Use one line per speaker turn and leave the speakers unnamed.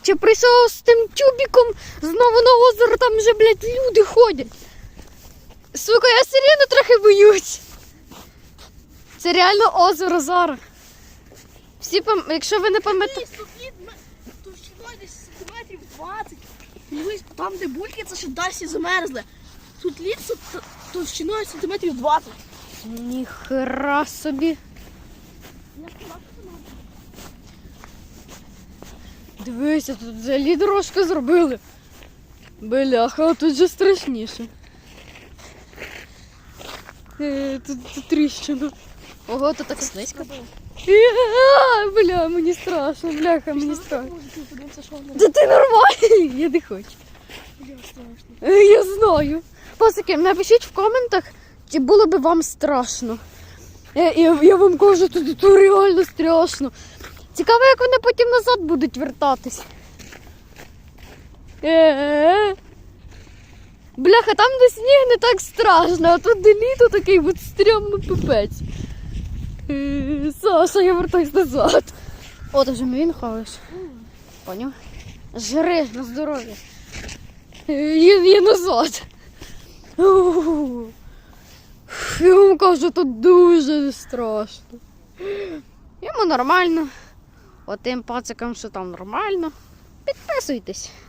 Коротше, прийшов з тим тюбіком знову на озеро, там вже, блядь, люди ходять. Сука, я все рівно трохи боюсь. Це реально озеро зараз. Всі, якщо ви не пам'ятаєте...
Тут десь сантиметрів 20. Дивись, там, де бульки, це ще досі замерзли. Тут лід товщиною сантиметрів 20.
Ніхера собі. Дивися, тут взагалі дорожку зробили. Бляха, тут же страшніше. Тут тріщина. Ого, тут так слизько. Бля, мені страшно, бляха, мені страшно. Та ти нормальний, я не хочу. Я знаю. Пасики, напишіть в коментах, чи було б вам страшно. Я вам кажу, тут реально страшно. Цікаво, як вони потім назад будуть вертатись. Бляха, там де сніг не так страшно, а тут де літо такий от стрьомний пипець. Саша, я вертаюсь назад. О, ти вже мені хаваєш. Поняв? Жри на здоров'я. Я назад. Я вам кажу, тут дуже страшно. Йому нормально. Отим пацикам, що там нормально. Підписуйтесь.